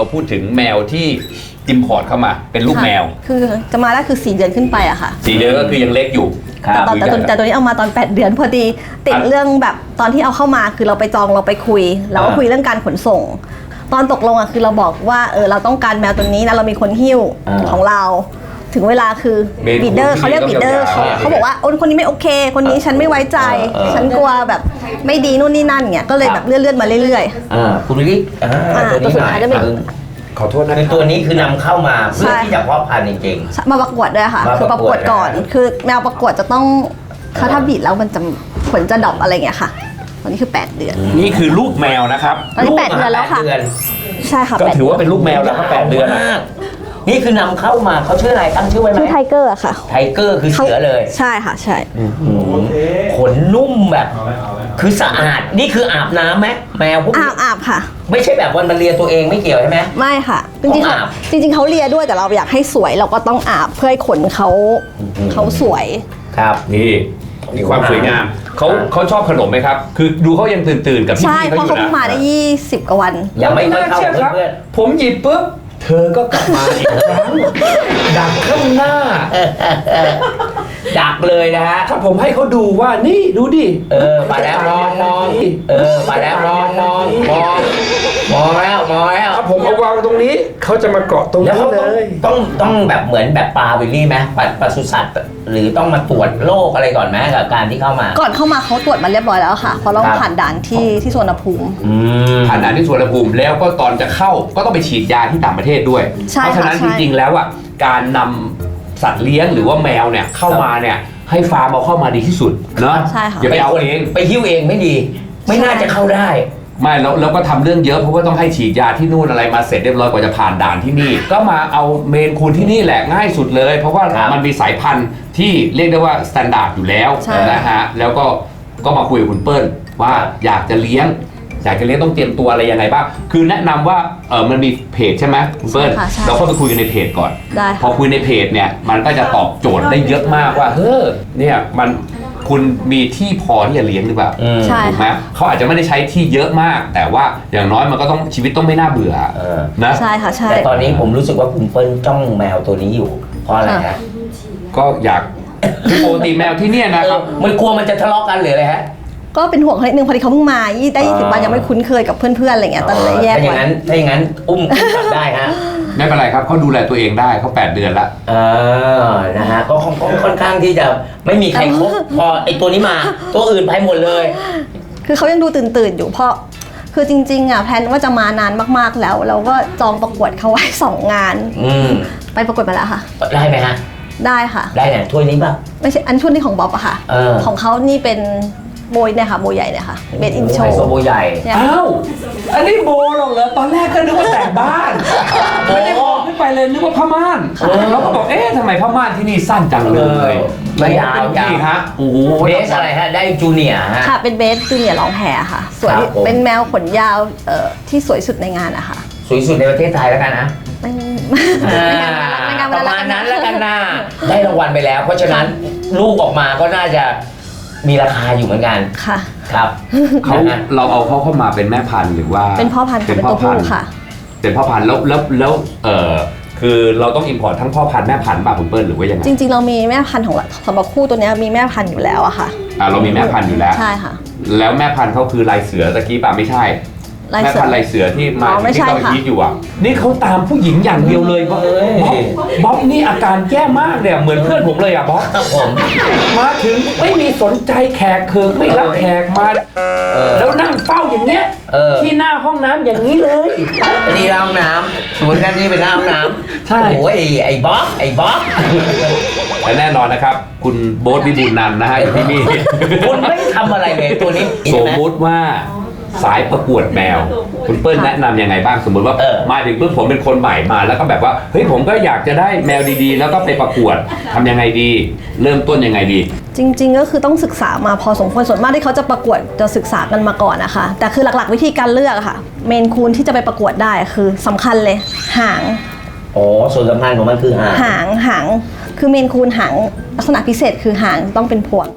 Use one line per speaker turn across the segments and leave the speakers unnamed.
พูดถึงแมวที่อิมพอร์ตเข้ามาเป็นลูกแมว
คือจะมาได้คือ4 เดือนขึ้นไปอะค่ะ
4 เดือนก็คือยังเล็กอยู่
แต่ตัวนี้เอามาตอน8 เดือนพอดีติดเรื่องแบบตอนที่เอาเข้ามาคือเราไปจองเราไปคุยเราก็คุยเรื่องการขนส่งตอนตกลงอะคือเราบอกว่าเราต้องการแมวตัวนี้นะเรามีคนหิ้วของเราถึงเวลาคือบีดเดอร์เขาเรียกบีดเดอร์เขาบอกว่าคนนี้ไม่โอเคคนนี้ฉันไม่ไว้ใจฉันกลัวแบบไม่ดีนู่นนี่นั่นเงี้ยก็เลยแบบเลื่อนมาเรื่อย
ๆคุณวิริตัวนี้หน่อย
ขอโทษนะ
คือตัวนี้คือนำเข้ามาเพื่อที่จะเพาะพันธุ์จริง
ๆมาประกวดด้วยค่ะคือประกวดก่อนคือแมวประกวดจะต้องถ้าบีดแล้วมันจะผลจะดรอปอะไรเงี้ยค่ะตอนนี้คือ8 เดือน
นี่คือลูกแมวนะครับ
ตอนนี้8 เดือนแล้วค่ะใช่ค่ะ
ก็ถือว่าเป็นลูกแมวแล้วก็8 เดือน
นี่คือนำเข้ามาเขาชื่ออะไรตั้งชื่อไว้ไหม
ชื่อไทเกอร์ค่ะ
ไทเกอร์คือเสือเลย
ใช่ค่ะใช่
ขนนุ่มแบบคือสะอาดนี่คืออาบน้ำไหมแมวพวกนี้
อาบค่ะ
ไม่ใช่แบบวันมาเลียตัวเองไม่เกี่ยวใช่ไหม
ไม่ค่ะจริงๆเขาเลียด้วยแต่เราอยากให้สวยเราก็ต้องอาบเพื่อให้ขนเขาสวย
ครับ
นี่มีความสวยงามเขาชอบขนมไหมครับคือดูเขายังตื่นกับพี่เขาอยู่นะ
ใช่เพราะเขาเพิ่งมาได้20 กว่าวัน
ยังไม่ค่อยเข้า
ครับผมหยิบปุ๊บเธอก็กลับมาอีกครั้งดักข้างหน้า
ดักเลยนะฮะ
ถ้าผมให้เขาดูว่านี่ดูดิ
มาแล้วมองมาแล้วมองแล้ว
ถ้าผมเอาวางตรงนี้เขาจะมาเกาะตรงนี้เลย
ต้องแบบเหมือนแบบปลาวิลลี่ไหมปศุสัตว์หรือต้องมาตรวจโรคอะไรก่อนไหมกับการที่เข้ามา
ก่อนเข้ามาเขาตรวจมาเรียบร้อยแล้วค่ะเพราะเราผ่านด่านที่สุวรรณภูมิ
ผ่านด่านที่สุวรรณภูมิแล้วก็ตอนจะเข้าก็ต้องไปฉีดยาที่ต่างประเทศด้วยเพราะฉะนั้นจริงๆแล้วอ่ะการนำสัตว์เลี้ยงหรือว่าแมวเนี่ยเข้ามาเนี่ยให้ฟาร์มเอาเข้ามาดีที่สุดเนาะอย่าไปเอาเอง
ไปหิ้วเองไม่ดีไม่น่าจะเข้าได้
ไม่แล้วก็ทำเรื่องเยอะเพราะว่าต้องให้ฉีดยาที่นู่นอะไรมาเสร็จเรียบร้อยกว่าจะผ่านด่านที่นี่ก็มาเอาเมนคูนที่นี่แหละง่ายสุดเลยเพราะว่ามันมีสายพันธุ์ที่เรียกได้ว่าสแตนดาร์ดอยู่แล้วนะฮะแล้วก็มาคุยกับคุณเปิ้ลว่าอยากจะเลี้ยงต้องเตรียมตัวอะไรยังไงบ้างคือแนะนำว่ามันมีเพจใช่ไหมคุณเปิ้ลเราเข้าไปคุยกันในเพจก่อนพอคุยในเพจเนี่ยมันก็จะตอบโจทย์ได้เยอะมากว่าเนี่ยมันคุณมีที่พอที่จะเลี้ยงหรือเปล่าถูกไหมเขาอาจจะไม่ได้ใช้ที่เยอะมากแต่ว่าอย่างน้อยมันก็ต้องชีวิตต้องไม่น่าเบื่อนะ
ใช่ค่ะใช่
แต่ตอนนี้ผมรู้สึกว่าคุณเปิ้ลจ้องแมวตัวนี้อยู่เพราะอะไรฮะ
ก็อยากปกติแมวที่เนี่ยนะครับ
มันกลัวมันจะทะเลาะกันหรืออะไรฮะ
ก็เป็นห่วงเขานิดนึงพอดีเขาเพิ่งมาได้20 วันยังไม่คุ้นเคยกับเพื่อนๆอะไรเงี้ยตอนนี้แยกไว้
ถ้าอย่างนั้นอุ้มได้ฮะ
ไม่เป็นไรครับเขาดูแลตัวเองได้เขา8 เดือนละ
นะฮะก็ค่อนข้างที่จะไม่มีใครคบพอไอตัวนี้มาตัวอื่นไปหมดเลย
คือเขายังดูตื่นอยู่เพราะคือจริงๆอ่ะแพลนว่าจะมานานมากๆแล้วเราก็จองประกวดเขาไว้2 งานไปประกวดมาแล้วค่ะ
ได้ไหมฮะ
ได้ค่ะ
ได้เนี่ยถ้วยนี้ป่ะ
ไม่ใช่อันชุดนี้ของบ๊อบอะค่ะของเขานี่เป็นโบยเนี่ยค่ะโบใหญ่เนี่ยค่ะเบดอินโชว์
โบใหญ่
อ้าวอันนี้โบหรอกเหรอตอนแรกก็นึกว่าแต่งบ้านไม่ได้บอกขึ้นไปเลยนึกว่าผ้าม่านเราก็บอกทำไมผ้าม่านที่นี่สั้นจังเลย
ไม่ยาว
ฮะโอ้โห
เบสอะไรฮะได้จูเนียร์ฮะ
ค่ะเป็นเบสจูเนียร์ลองแฮร์ค่ะสวยเป็นแมวขนยาวที่สวยสุดในงานอะค่ะ
สวยสุดในประเทศไทยแล้วกันนะ
ประ
มาณนั้นแล้วกันนะได้รางวัลไปแล้วเพราะฉะนั้นลูกออกมาก็น่าจะมีราคาอยู่เหมือนกัน
ค่ะ
ครับ
เราเอาเขาเข้ามาเป็นแม่พันธุ์หรือว่า
เป็นพ่อพันธุ์เป็นตัวผู้ค่ะ
เป็นพ่อพันธุ์แล้วคือเราต้องอิมพอร์ตทั้งพ่อพันธุ์แม่พันธุ์ป่ะคุณเปิ้ลหรือว่ายังไง
จริงๆเรามีแม่พันธุ์ของสำหรับคู่ตัวนี้มีแม่พันธุ์อยู่แล้วอะค่ะ
เรามีแม่พันธุ์อยู่แล้ว
ใช่ค่ะ
แล้วแม่พันธุ์เขาคือลายเสือตะกี้ป่ะไม่ใช่แม่พันธุ์ลายเสือที่มาที่เราคิดอยู่อ่ะนี่เขาตามผู้หญิงอย่างเดียวเลยบ๊อบนี่อาการแย่มากเนี่ยเหมือนเพื่อนผมเลยอ่ะบ๊อบมาถึงไม่มีสนใจแขกเคิร์ไม่รับแขกมาแล้วนั่งเฝ้าอย่างเนี้ยที่หน้าห้องน้ำอย่างนี้เลย
นี่ห้องน้ำสมมติกันนี่เป็นห้องน้ำใช่โอ้ยไอ้บ๊อบ
และแน่นอนนะครับคุณโบ๊ทวิบูลย์นันท์นะฮะอยู่ที่นี่
คุณไม่ทำอะไรเลยตัวนี้
สมมุติว่าสายประกวดแมวคุณเปิ้ลแนะนำยังไงบ้างสมมติว่ามาถึงปุ๊บผมเป็นคนใหม่มาแล้วก็แบบว่าเฮ้ยผมก็อยากจะได้แมวดีๆแล้วก็ไปประกวดทำยังไงดีเริ่มต้นยังไงดี
จริงๆก็คือต้องศึกษามาพอสมควรส่วนมากที่เขาจะประกวดจะศึกษากันมาก่อนนะคะแต่คือหลักๆวิธีการเลือกค่ะเมนคูนที่จะไปประกวดได้คือสำคัญเลยหาง
ส่วนสำคัญของมันคือหาง
คือเมนคูนหางลักษณะพิเศษคือหางต้องเป็นพวงค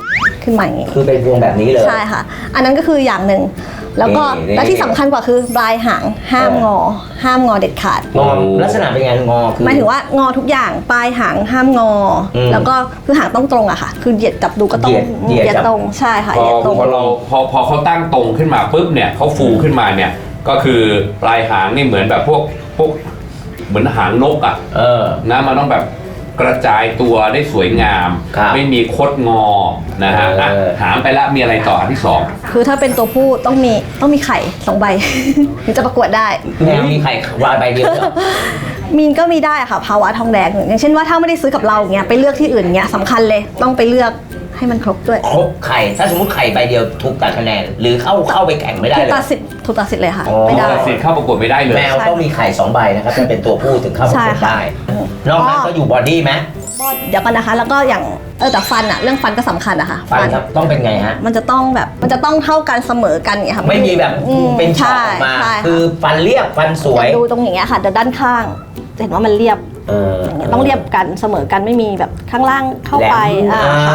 ขึ้นมาอย่างงี้
คือเป็นพวงแบบนี้เลย
ใช่ค่ะ อันนั้นก็คืออย่างหนึ่งแล้วก็
นี่
และที่สำคัญกว่าคือปลายหางห้ามงอ ห้ามงอเด็ดขาด
งอลักษณะเป็นไงงอคือ
หมายถึงว่างอทุกอย่างปลายหางห้ามงออ
ม
แล้วก็คือหางต้องตรงอะค่ะ คือเหยียดจับดูก็ต้อง
เหยียดจับ
ตรงใช่ค่ะ
พอ
เหยียดตรง
พอเราพอเขาตั้งตรงขึ้นมาปุ๊บเนี่ยเขาฟูขึ้นมาเนี่ยก็คือปลายหางนี่เหมือนแบบพวกเหมือนหางนกอ่ะ นะมันต้องแบบกระจายตัวได้สวยงาม
ครับ
ไม่มีคดงอนะฮะอ่ะหางไปแล้วมีอะไรต่ออันที่สอง
คือถ้าเป็นตัวผู้ต้องมีไข่2 ใบ ถึงจะประกวดได้
แมวมีไข่วายใบเดียวเหรอ
มีนก็มีได้ค่ะภาวะทองแดงอย่างเช่นว่าถ้าไม่ได้ซื้อกับเราอย่างเงี้ยไปเลือกที่อื่นเงี้ยสำคัญเลยต้องไปเลือกให้มันครบด้วย
ครบไข่ถ้าสมมติไข่ใบเดียวถูกตัดคะแนนหรือเข้าไปแข่งไม่ได้
ถูก
เลย
ตัดสิทธิ์เลยค่ะ
อ๋อ
ไม่ได้
ตัดสิทธิ์เข้าประกวดไม่ได้เลย
แมวต้องมีไข่2 ใบนะครับจะเป็นตัวผู้ถึงเข้าประกวด
ใช่ค่ะ
ได้นอกนั้นก็อยู่บอดี้ไหม
เดี๋ยวกันนะคะ แล้วก็อย่างแต่ฟันอะเรื่องฟันก็สำคัญอะค่ะ
ฟันครับต้องเป็นไงฮะ
มันจะต้องเท่ากันเสมอกันอย่างเงี้ยค่ะ
ไม่มีแบบเป็นช่อออกมา
ใช่
คือฟันเรียบฟันสวย
ดูตรงอย่างเงี้ยค่ะเดี๋ยวด้านข้างจะเห็นว่ามันเรียบ อย่างเงี้ยต้องเรียบกันเสมอกันไม่มีแบบข้างล่างเข้าไป
แหลม
ค่ะ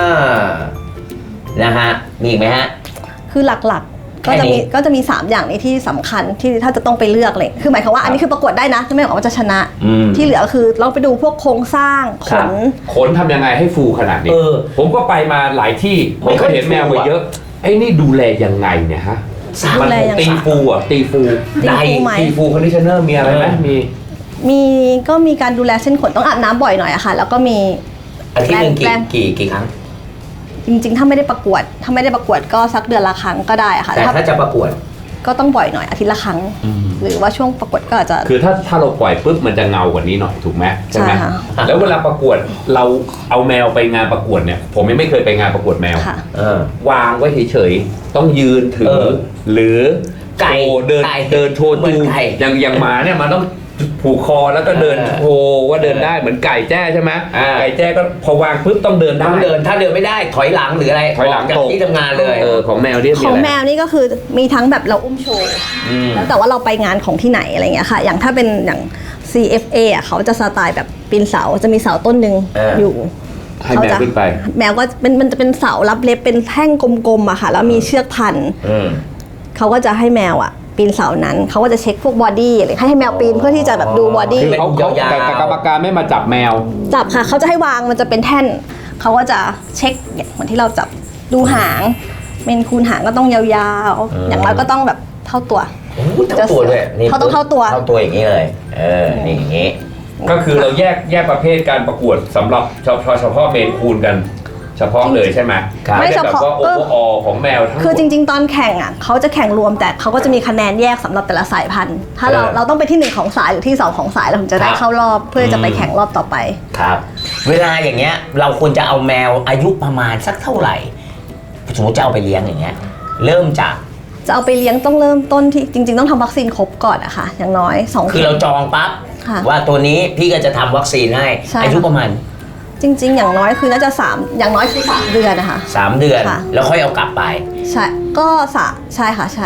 นะฮะมีอีกไหมฮะ
คือหลักๆ ก็จะ
แค่นี้
มี3อย่างนี้ที่สำคัญที่ถ้าจะต้องไปเลือกเลยคือหมายความว่าอันนี้คือประกวดได้นะไม่ได้หมายความว่าจะชนะ ที่เหลือคือเราไปดูพวกโครงสร้างข
ครับ
น
ขนทำยังไงให้ฟูขนาดนี้ ผมก็ไปมาหลายที่ผ
ไม่
ม
ค่
ก็
อย
เห็นแมว
ฟู
ไป
อะ
เยอะไอ้นี่ดูแลยังไงเนี่ยฮะ
ดูแลยังไง
ตีฟูอ่ะตีฟู
ตีฟูไหม
ตีฟูคอนดิชเนอร์มีอะไรไหมมี
ก็มีการดูแลเส้นขนต้องอาบน้ำบ่อยหน่อยอะค่ะ แล้วก็มี
อาทิตย์หนึ่ง
แรง
กี่ครั้ง
จริงๆ ถ้าไม่ได้ประกวดก็สักเดือนละครั้งก็ได้อะค่ะ
แต่ถ้าจะประกวด
ก็ต้องบ่อยหน่อยอาทิตย์ละครั้ง หรือว่าช่วงประกวดก็อาจจะ
คือถ้าเราปล่อยปุ๊บมันจะเงากว่านี้หน่อยถูกไหมใช่ไหม
ใช่ค่ะ
แล้วเวลาประกวดเราเอาแมวไปงานประกวดเนี่ย ผมยังไม่เคยไปงานประกวดแมว
ค่ะ
วางไว้เฉยๆต้องยืนถือ หรือ
ไก่
โชว์เดิน
ไก่
เดินโชว์
เหมื
จู
อนไก่
อย่างหมาเนี่ยมันต้องผูกคอแล้วก็เดินโชว์ว่าเดินได้เหมือนไก่แจ้ใช่ไหมไก่แจ้ก็พอวางปุ๊บต้องเดินได้
ต้องเดินถ้าเดินไม่ได้ถอยหลังหรืออะไร
ถอยหลัง
กจาก
ตรง
ที่ทำงานเลย
ของแมวเนี่ยมี
ของ
อะไร
แมวนี่ก็คือมีทั้งแบบเราอุ้มโชว์แล้วแต่ว่าเราไปงานของที่ไหนอะไรเงี้ยค่ะ อย่างถ้าเป็นอย่าง CFA อ่ะเขาจะสไตล์แบบปีนเสาจะมีเสาต้นหนึ่งอยู่
ให้แมวขึ้นไป
แมวก็มันจะเป็นเสารับเล็บเป็นแท่งกลมๆอะค่ะ แล้วมีเชือกพันเขาก็จะให้แมวอะปีนเสานั้นเขาก็จะเช็คพวกบอดี้อะไรให้แมวปีนเพื่อที่จะแบบดูบอดี้
คือเขาแต่กรรมการไม่มาจับแมว
จับค่ะเขาจะให้วางมันจะเป็นแท่นเขาก็จะเช็คเนี่ยเหมือนที่เราจับดูหางเมนคูนหางก็ต้องยาวๆอย่างน้อยก็ต้องแบบเท่าตัว
โอ้โหเท่าตัวด้วยนี่
เขาต้องเท่าตัว
เท่าตัวอย่างนี้เลย นี่อย่างนี้
ก็คือเราแยกประเภทการประกวดสำหรับเฉพาะเมนคูนกัน เฉพาะเลยใช่ไหม
ครับ
ไม่ได้แบบว่าโอเวอร์ออของแมวทั้งหมด
คือจริงๆ ตอนแข่งอ่ะเขาจะแข่งรวมแต่เขาก็จะมีคะแนนแยกสำหรับแต่ละสายพันธุ์ ถ้าเราต้องไปที่ 1 ของสายหรือที่ 2 ของสายเราถึงจะได้เข้ารอบเพื่อจะไปแข่งรอบต่อไป
ครับ เวลาอย่างเงี้ยเราควรจะเอาแมวอายุประมาณสักเท่าไหร่ สมมติจะเอาไปเลี้ยงอย่างเงี้ยเริ่มจาก
จะเอาไปเลี้ยงต้องเริ่มต้นที่จริงๆ ต้องทำวัคซีนครบก่อนอะค่ะอย่างน้อย2
คือเราจองปั๊บ
ค่ะ
ว่าตัวนี้พี่ก็จะทำวัคซีนให้
ใช่
อายุประมาณ
จริงๆ อย่างน้อยคือน่าจะ3อย่างน้อยคือ3 เดือนนะคะ
3 เดือน
ค่ะ
แล้วค่อยเอากลับไป
ใช่ก็ใช่ค่ะใช่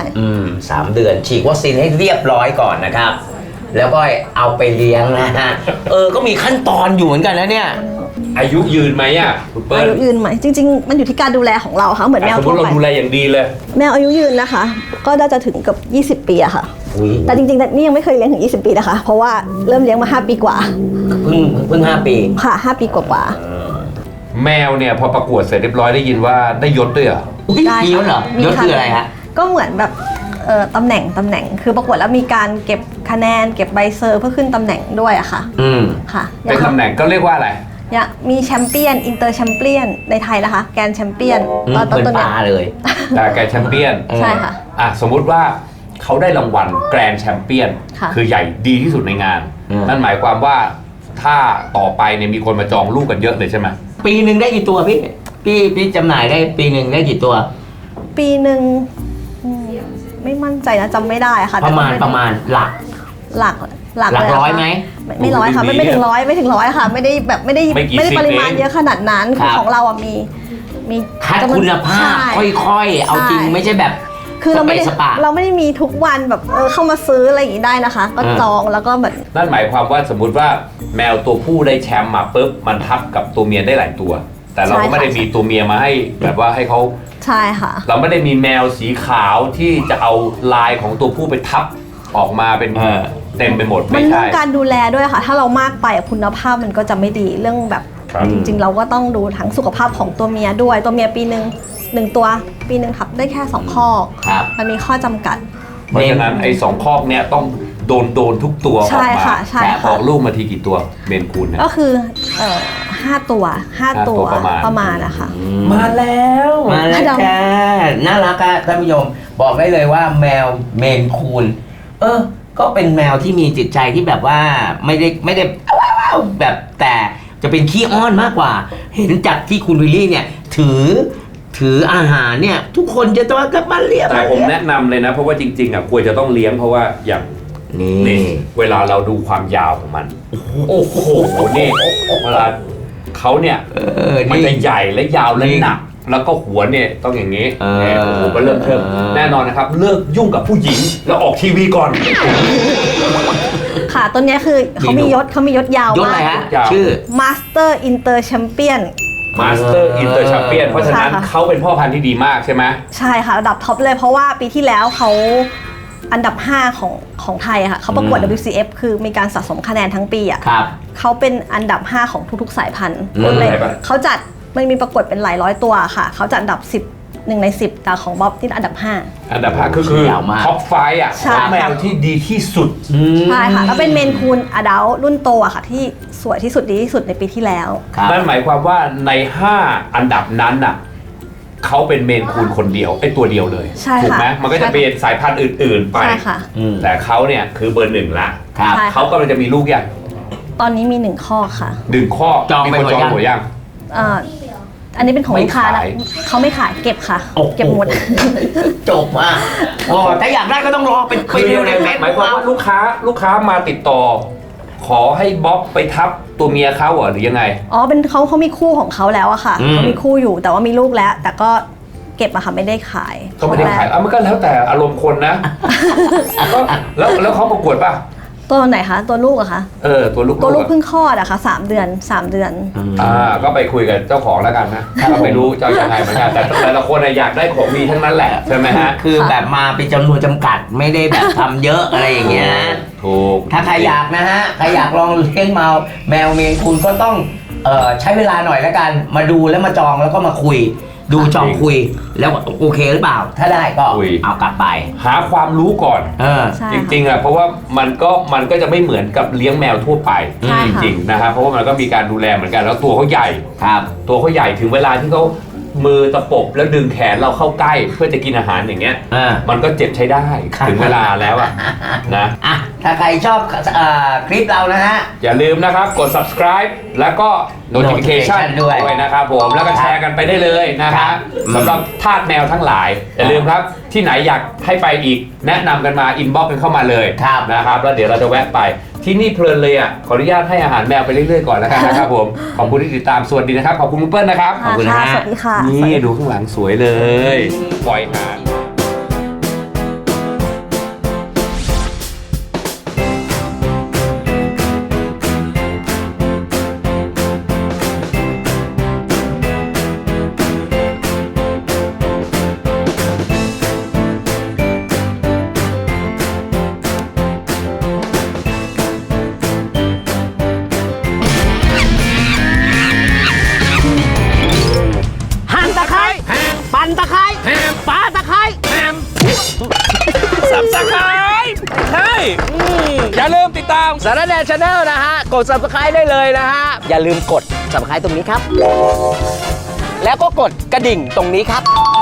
3 เดือนฉีดวัคซีนให้เรียบร้อยก่อนนะครับ แล้วก็เอาไปเลี้ยงนะฮะก็มีขั้นตอนอยู่เหมือนกันนะเนี่ย
อายุยืนไหมอ่ะคุณเปิ้
อา
ล
ยุยืนไหมจริง ๆ มันอยู่ที่การดูแลของเราค่ะเหมือนแมว
สมม
ทั่ว
ติเรา
ไป
ดูแลอย่างดีเลย
แมวอายุยืนนะคะ ก็น่าจะถึงเกับ20 ปีอะค่ะ
อุ๊ย
แต่จริงๆนี่ยังไม่เคยเลี้ยงถึง20 ปีนะคะ เพราะว่าเริ่มเลี้ยงมา5 ปีกว่า
เพิ่ง5 ปี
ค่ะ5 ปีกว่า
แมวเนี่ยพอประกวดเสร็จเรียบร้อยได้ยินว่าได้ยศด้วยเหรอ
ๆได้
มียศเหรอ
มี
ยศคืออะไรฮะ
ก็เหมือนแบบตำแหน่งคือประกวดแล้วมีการเก็บคะแนนเก็บใบเซอร์เพื่อขึ้นตำแหน่งด้วยอะค่ะ ค่ะ
เป็นตำแหน่งก็เรียกว่าอะไร
อย่างมีแชมเปี้ยนอินเตอร์แชมเปี้ยนในไทยนะคะแกรนด์แชมเปี้ยน
เหมือนปลาเลย
แต่แกรนด์แชมเปี้ยน
ใช่ค่ะ
สมมุติว่าเขาได้รางวัลแกรนด์แชมเปี้ยน
ค่ะ
คือใหญ่ดีที่สุดในงาน นั่นหมายความว่าถ้าต่อไปเนี่ยมีคนมาจองลูกกันเยอะเลยใช่ไหม
ปีหนึ่งได้กี่ตัวพี่จำหน่ายได้ปีหนึ่งได้กี่ตัว
ปีหนึ่งไม่มั่นใจนะจำไม่ได้ค่ะ
ประมาณ
แต่ก็ไ
ประมาณหลัก
หลัก
หลัก
เล
ร้อย
ค่ะ
ไหม
ไม่ร้อยค่ะไม่ถึงร้อยค่ะ ไม่ได้แบบไม่ได้
ไม่กี่
ไม่ได้
สิบ
ปริมาณ
เอง
เยอะขนาดนั้น
ครับ
ของเราอ่ะมี
คัด
จำนวน
คุณภาพ
ใช่
ค่อยๆ เอาจริง
ใช่
ไม่ใช่แบบ
คือเราไม่ได้
สปะ
เราไม่ได้มีทุกวันแบบเข้ามาซื้ออะไรอย่างนี้ได้นะคะ ก็จองแล้วก็แบบ
นั่นหมายความว่าสมมุติว่าแมวตัวผู้ได้แชมป์มาปุ๊บมันทับกับตัวเมียได้หลายตัว แแต่เราก็ไม่ได้มีตัวเมียมาให้แบบว่าให้เขา
ใช่ค่ะ
เราไม่ได้มีแมวสีขาวที่จะเอาลายของตัวผู้ไปทับออกมาเป็นเต็มไปหมด
มัน
ไม่
เรื่อ
ใช่
งการดูแลด้วยค่ะ ถ้าเรามากไปคุณภาพมันก็จะไม่ดีเรื่องแบบ
ครับ
จริงๆ เราก็ต้องดูทั้งสุขภาพของตัวเมียด้วยตัวเมียปีหนึ่งตัวปีหนึ่งทับได้แค่2ข้อ
ครับ
มันมีข้อจำกัด
เพราะฉะนั้นไอ้2 คอกเนี่ยต้องโดนทุกตัวออก
ใช่
มา
ค่ะใช่
แต่
ค่ะ
ออกลูกมาทีกี่ตัวเมนคูนเนี่ย
ก็คือ5 ตัว 5 ตัว
ประมาณ
ประมาณนะคะ
มาแล้ว
มาแล้วจ้าน่ารักอะท่านผู้ชมบอกได้เลยว่าแมวเมนคูนก็เป็นแมวที่มีจิตใจที่แบบว่าไม่ได้ว้าวแบบแต่จะเป็นขี้อ้อนมากกว่า เห็นจากที่คุณวิลลี่เนี่ยถืออาหารเนี่ย ทุกคนจะต้องกลับมาเรียก
แต่ผมแนะนำเลยนะ เพราะว่าจริงๆอ่ะควรจะต้องเลี้ยงเพราะว่าอย่าง
นี่
นี่เวลาเราดูความยาวของมัน โอ้โหนี่เวลาเขาเนี่ยมันจะใหญ่และยาวและหนัก แล้วก็หัวเนี่ยต้องอย่างนี้เนี่ยโอ้โหก็เริ่มเทิมแน่นอนนะครับ เลิกยุ่งกับผู้หญิงแล้วออกทีวีก่อน
ค่ะตัวเนี้ยคือเขามียศยาวย
ศอะไร
มาก
ฮะ
ยาว
ชื่อ
Master Inter Champion
มาสเตอร์อินเตอร์แชมเปี้ยนเพราะฉะนั้น
ใช่ค่ะ
เขาเป็นพ่อพันธุ์ที่ดีมากใช่ไหม
ใช่ค่ะระดับท็อปเลยเพราะว่าปีที่แล้วเขาอันดับ 5 ของไทยอะค่ะเขาประกวด WCF คือมีการสะสมคะแนนทั้งปีอ่ะ
ครับ
เขาเป็นอันดับ 5 ของทุกๆสายพันธุ์
อืม
เลยเขาจัดมันมีประกวดเป็นหลายร้อยตัวค่ะเขาจัดอันดับ 1 ใน 10แต่ของบ๊อบที่อันดับ 5
อันดับ5คือย
าวมาก
ท็อปไฟอ่ะ
ใช่
ท็อปแมวที่ดีที่สุด
ใช่ค่ะแล้วเป็นเมนคูนอดัลรุ่นโตอะค่ะที่สวยที่สุดดีที่สุดในปีที่แล้ว
ครับ
นั่นหมายความว่าใน 5 อันดับนั้นน่ะเขาเป็นเมนคูนคนเดียวไอ้ตัวเดียวเลย
ใช่ค่ะ
ถูกไหมมันก็จะเป็นสายพันธุ์อื่นๆไป
ใช่ค่ะ
แต่เขาเนี่ยคือเบอร์ 1ละ
ครับ
ใช่
เขากำลังจะมีลูกยัง
ตอนนี้มี1ข้อค่ะ
1 ข้อ
จอง
มี
ไป
คน
หมด
จอง
ยัง
หมดยัง
อ่าอันนี้เป็นของ
ไม่
ลูกค้านะ
ขาย
เขาไม่ขายเก็บค่ะ
โอ้โห
เก็บหมด
จบอ่ะโอ้ถ้าอยากได้ก็ต้องรอเป็น
คือ
เดียวในเฟซ
หมายความว่าลูกค้ามาติดต่อ ขอให้บ๊อบไปทับตัวเมียเขาเหรอหรือยังไง
อ๋อเป็นเขามีคู่ของเขาแล้วอะค่ะเขามีคู่อยู่แต่ว่ามีลูกแล้ว แต่ก็เก็บอะค่ะไม่ได้ขาย
ก็ไม่ได้ขายมันก็แล้วแต่อารมณ์คนนะก็แล้วเขาประกวดป่ะ
ตัวไหนคะตัวลูกอะคะ
ตัวลูก
ตัวลูกเพิ่งคลอดอะค่ะ3 เดือน 3 เดือน
ก็ไปคุยกับเจ้าของแล้วกันนะก็ไม่รู้จะยังไงเหมือนกันแต่แต่ละคนอยากได้ของดีทั้งนั้นแหละใช่ไหมฮะ
คือแบบมาเป็นจำนวนจำกัดไม่ได้แบบทำเยอะอะไรอย่างเงี้ยนะ
ถูก
ถ้าใครอยากนะฮะใครอยากลองเลี้ยงแมวเมนคูนก็ต้องใช้เวลาหน่อยแล้วกันมาดูแล้วมาจองแล้วก็มาคุย ดูจองคุยแล้วโอเคหรือเปล่า ถ้าได้ก็
คุย
เอากลับไป
หาความรู้ก่อน
ใช่
จ
ค่ะ
ริงๆอ่ะเพราะว่ามันก็จะไม่เหมือนกับเลี้ยงแมวทั่วไป
ใช่
จ
ค่ะ
ริงๆนะครับเพราะว่ามันก็มีการดูแลเหมือนกันแล้วตัวเขาใหญ่
ครับ
ตัวเขาใหญ่ถึงเวลาที่เขามือตะปบแล้วดึงแขนเราเข้าใกล้เพื่อจะกินอาหารอย่างเงี้ย มันก็เจ็บใช้ได้
ครับ
ถึงเวลาแล้วอ่ะนะ
อ่ะถ้าใครชอบคลิปเรานะฮะ
อย่าลืมนะครับกด subscribe แล้วก็ notification
notification ด้วย
นะครับผมแล้วก็แชร์กันไปได้เลยนะค
ครั
รับบ สำหรับทาสแมวทั้งหลายอย่าลืมครับที่ไหนอยากให้ไปอีกแนะนำกันมา inbox กันเข้ามาเลย
ครับ
นะครับแล้วเดี๋ยวเราจะแวะไปที่นี่เพลินเลยอ่ะขออนุญาตให้อาหารแมวไปเรื่อยๆก่อนแล้วกันนะครับผมขอบคุณที่ติดตามสวัสดีนะครับขอบคุณคุณเปิ้ลนะครับ
ขอบคุณนะฮะ
สวัสดีค่ะ
นี่ดูข้างหลังสวยเลยปล่อยหา
หั่นตะไคร้ปั่นตะไคร้ปาตะไคร้
subscribe ใช่อย่าลืมติดตาม
สารแนชาแนลนะฮะ กด subscribe ได้เลยนะฮะ อย่าลืมกด subscribe ตรงนี้ครับ แล้วก็กดกระดิ่งตรงนี้ครับ